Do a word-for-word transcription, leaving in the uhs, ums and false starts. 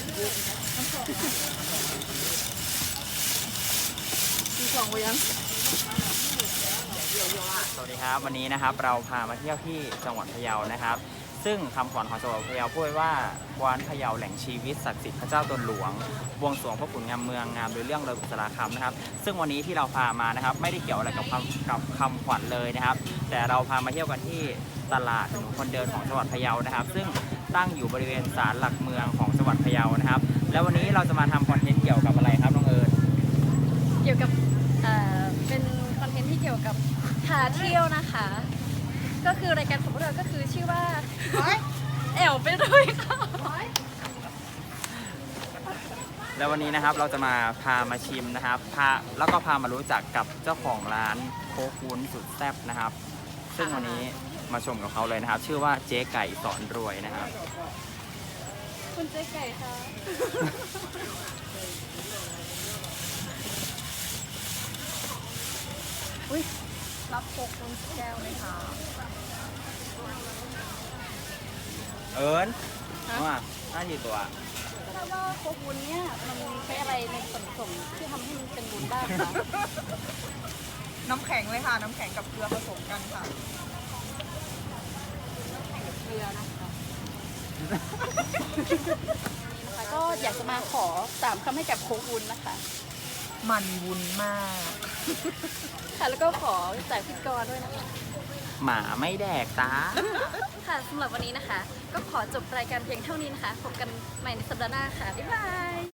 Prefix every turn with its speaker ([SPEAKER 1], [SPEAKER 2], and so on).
[SPEAKER 1] มีของไว้ยัง
[SPEAKER 2] สวัสดีครับวันนี้นะครับเราพามาเที่ยวที่จังหวัดพะเยานะครับซึ่งคำขวัญของจังหวัดพะเยาพูดไว้ว่ากวานพะเยาแหล่งชีวิตศักดิ์สิทธิ์พระเจ้าตนหลวงบวงสรวงพระขุนงามเมืองงามโดยเรื่องเลยบุษราคำนะครับซึ่งวันนี้ที่เราพามานะครับไม่ได้เกี่ยวอะไรกับคำกับคำขวัญเลยนะครับแต่เราพามาเที่ยวกันที่ตลาดถนนคนเดินของจังหวัดพะเยานะครับซึ่งตั้งอยู่บริเวณศาลหลักเมืองของจังหวัดพะเยานะครับแล้ววันนี้เราจะมาทำคอนเทนต์เกี่ยวกับอะไรครับน้องเอิญ
[SPEAKER 1] เกี่ยวกับเอ่อเป็นคอนเทนต์ที่เกี่ยวกับหาเที่ยวนะคะ ก็คือรายการของพวกเราก็คือชื่อว่าแอวไปด้วยค่ะ
[SPEAKER 2] แล้ววันนี้นะครับเราจะมาพามาชิมนะครับพาแล้วก็พามารู้จักกับเจ้าของร้านโคกวุ้นสุดแซ่บนะครับซึ่งวันนี้มาชมกับเขาเลยนะครับ ชื่อว่าเจ๊ไก่สอนรวยนะครับ
[SPEAKER 1] คุณเจ๊ไก่ค่ะอุ้ยรับโคกวุ้นแก้วไหมคะ
[SPEAKER 2] เอิญว่าน่าดีตัว
[SPEAKER 1] ทราบว่าโคกวุ้นเนี่ยมันใช้อะไรในส่วนผสมที่ทำให้มันเป็นวุ้นบ้างคะ
[SPEAKER 3] น้ำแข็งเลยค่ะน้ำแข็งกับเกลือผสมกันค่ะ
[SPEAKER 1] เกลือนะคะนี่นะคะก็อยากจะมาขอสามคำให้กับโคกวุ้นนะคะ
[SPEAKER 3] มันวุ้นมาก
[SPEAKER 1] ค่ะแล้วก็ขอจากพิธีกรด้วยนะคะ
[SPEAKER 2] หมาไม่แดกตา
[SPEAKER 1] ค่ะสำหรับวันนี้นะคะก็ขอจบรายการเพียงเท่านี้นะคะพบกันใหม่ในสัปดาห์หน้าค่ะบ๊ายบาย